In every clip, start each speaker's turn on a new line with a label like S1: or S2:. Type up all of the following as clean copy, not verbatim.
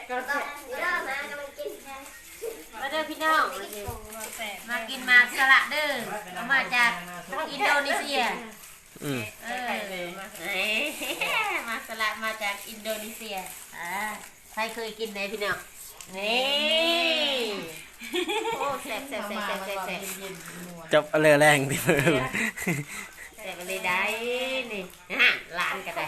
S1: ก็แซ่บ
S2: มาเด้อพี่น้องมากินมาสละเด้อเอามาจากอินโดนีเซียมาสละมาจากอินโดนีเซียใครเคยกินไหนพี่น้องนี่โอ้แซ่บแซ่บแซ่บแซ่บแซ่บแซ่บ
S3: จับอะไรแรงที่มือ
S2: แซ่บเลยได้นี่ร้านก็ได้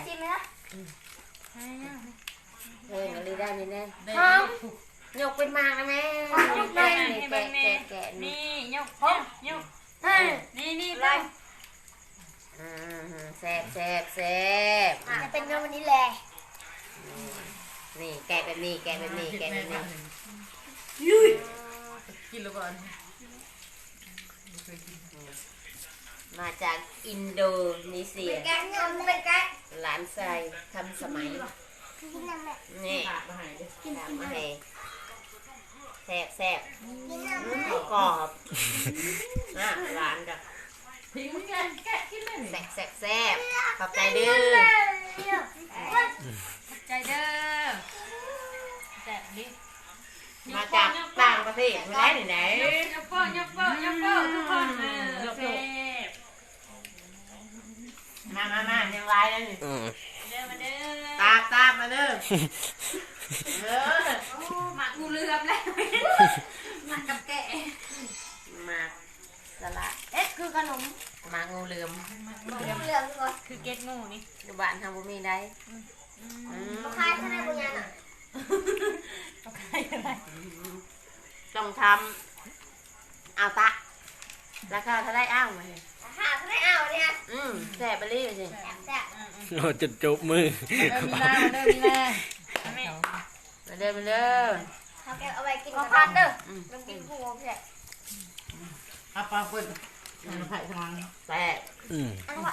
S2: เลยได้นี่แน่ยกเป็นมากนะแม่แกะแกะ
S1: นี่
S2: นี่
S1: ยกนี่ไป
S2: แซ่บแซ่บแซ่บ
S4: จะเป็นเงินวันนี้แหละ
S2: นี่แกะแบบนี้แกะแบบนี้แกะแบบนี้
S1: กินแล้วก่อน
S2: มาจากอินโดนีเซีย
S4: แกะเงินเป็นแกะ
S2: หลานชายทำสมัยนี่
S1: ขาดมาหายดิ
S2: ทำมาให้แซ่บแซ่บ
S4: กินน้ำ
S2: กรอบหลานกับ
S1: ทิ้งมึงไงแกะกินเลย
S2: แซ่บแซ่บแซ่บขอบใจเด้อ
S1: ใจเด้อแซ่บดิ
S2: มาจากต่างประเทศไม่ได้ไหน
S1: ยกโป้ทุกคนแซ่บ
S2: มายังไลน์แล้วนี่
S1: เด้อมาเด้อ
S2: ตามมาเด้อ
S1: หมักงูเหลือมแล้วหมักกับแกะ
S2: มาสละ
S4: คือขนม
S2: มางูเหลือม
S4: เหลืองก่อน
S1: คือเก็ตงูนี่
S2: อยู่บ้านทำบุมีได้
S4: ลูกค้าท่านไหนบุญญาณอ่ะ
S1: ต้องใครอะไร
S2: ต้องทำเอาตะราคาเท่าไรอ้าวมา
S4: หาท่านไหนเอาเนี่ย
S2: แซ่บไปเลยสิ
S4: แซ่บ
S3: โอ้จะจุบมือ
S1: มีนามาเด้อมีนาแม่
S2: มาเด้อมาเด้อ
S4: เขาแกเอาไปกินกับพันเด้อมันกินผู้แซ่บ
S1: เอาปลาเปิดมันไผ่ทาง
S2: แซ่บ
S4: อันว่า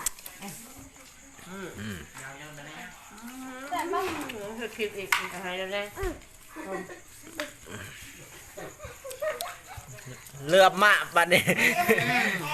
S2: คือคลิปอีกอะไรแล้วเนี่ย
S3: เลือบมะปัดนี่
S4: เ